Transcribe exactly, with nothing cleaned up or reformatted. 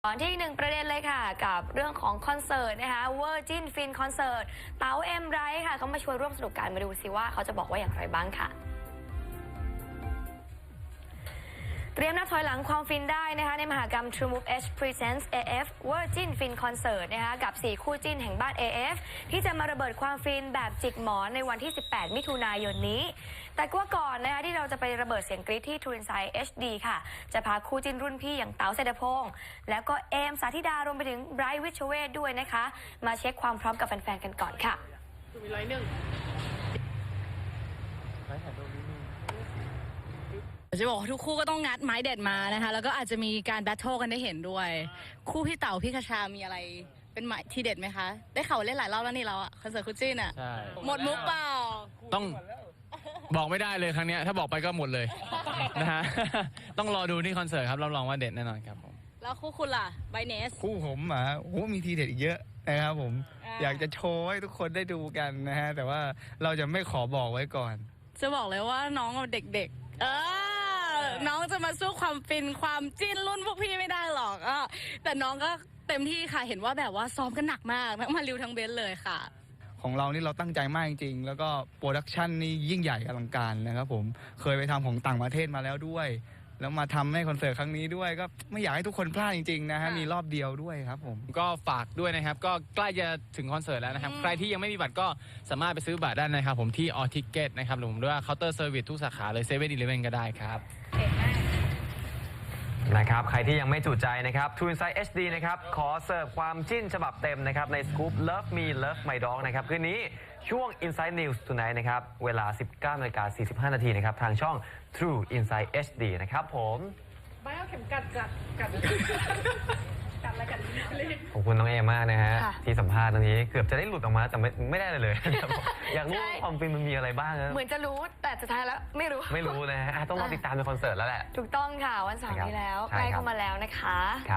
ตอนที่หนึ่งประเด็นเลยค่ะกับเรื่องของคอนเสิร์ตนะคะ Virgin Fin Concert เต๋าเอ็มไรท์ค่ะเขามาช่วยร่วมสนุกกันมาดูซิว่าเขาจะบอกว่าอย่างไรบ้างค่ะเตรียมนับถอยหลังความฟินได้นะคะในมหกรรม True Move H Presents เอ เอฟ Virgin Fin Concert นะคะกับสี่คู่จิ้นแห่งบ้าน เอ เอฟ ที่จะมาระเบิดความฟินแบบจิกหมอนในวันที่สิบแปดมิถุนายนนี้แต่ก็ก่อนนะคะที่เราจะไประเบิดเสียงกรี๊ดที่ True Insight เอช ดี ค่ะจะพาคู่จิ้นรุ่นพี่อย่างเต๋าเศรษฐพงษ์แล้วก็เอมสาธิดารวมไปถึงไบรท์วิชเวทด้วยนะคะมาเช็คความพร้อมกับแฟนๆกันก่อนค่ะมีไรหนึ่งจะบอกว่าทุกคู่ก็ต้องงัดไม้เด็ดมานะคะแล้วก็อาจจะมีการแบทเทิลกันได้เห็นด้วยคู่พี่เต๋าพี่คชามีอะไรเป็นหมายทีเด็ดไหมคะได้ข่าวเล่นหลายรอบแล้วนี่เราอะคอนเสิร์ตคู่จิ้นอะหมดมุกเปล่าต้องบอกไม่ได้เลยครั้งนี้ถ้าบอกไปก็หมดเลยนะฮะต้องรอดูที่คอนเสิร์ตครับรับรองว่าเด็ดแน่นอนครับผมแล้วคู่คุณล่ะไบเนสคู่ผมอ่ะโอ้มีทีเด็ดอีกเยอะนะครับผมอยากจะโชว์ให้ทุกคนได้ดูกันนะฮะแต่ว่าเราจะไม่ขอบอกไว้ก่อนจะบอกเลยว่าน้องเด็กๆเออน้องจะมาสู้ความฟินความจิ้นรุ่นพวกพี่ไม่ได้หรอกอ่ะแต่น้องก็เต็มที่ค่ะเห็นว่าแบบว่าซ้อมกันหนักมากทั้งมาริวทั้งเบนเลยค่ะของเรานี่เราตั้งใจมากจริงๆแล้วก็โปรดักชันนี่ยิ่งใหญ่อลังการนะครับผมเคยไปทำของต่างประเทศมาแล้วด้วยแล้วมาทำให้คอนเสิร์ตครั้งนี้ด้วยก็ไม่อยากให้ทุกคนพลาดจริงๆนะฮะมีรอบเดียวด้วยครับผมก็ฝากด้วยนะครับก็ใกล้จะถึงคอนเสิร์ตแล้วนะครับใครที่ยังไม่มีบัตรก็สามารถไปซื้อบัตรได้นะครับผมที่ออทิเก็ตนะครับหรือผมด้วยเคาน์เตอร์เซอร์วิสทุกสาขาเลยเซเว่นอีเลฟเว่นก็ได้ครับนะครับใครที่ยังไม่จุใจนะครับ True Insight เอช ดี นะครับขอเสิร์ฟความจิ้นฉบับเต็มนะครับในสกู๊ป Love Me Love My Dog นะครับคืนนี้ช่วง Inside News Tonight นะครับเวลา สิบเก้านาฬิกาสี่สิบห้านาทีนะครับทางช่อง True Insight เอช ดี นะครับผมไม่เอาเข็มกัดกัดกัดกัดอะไรกัดขอบคุณน้องเอมากนะฮะที่สัมภาษณ์ตรงนี้เกือบจะได้หลุดออกมาแต่ไม่ไม่ได้เลยเลยอยากรู้ความฟินมันมีอะไรบ้างนะเหมือนจะรู้แต่สุดท้ายแล้วไม่รู้ไม่รู้นะฮะต้องรอติดตามในคอนเสิร์ตแล้วแหละถูกต้องค่ะวันเสาร์นี้แล้วใกล้เข้ามาแล้วนะคะ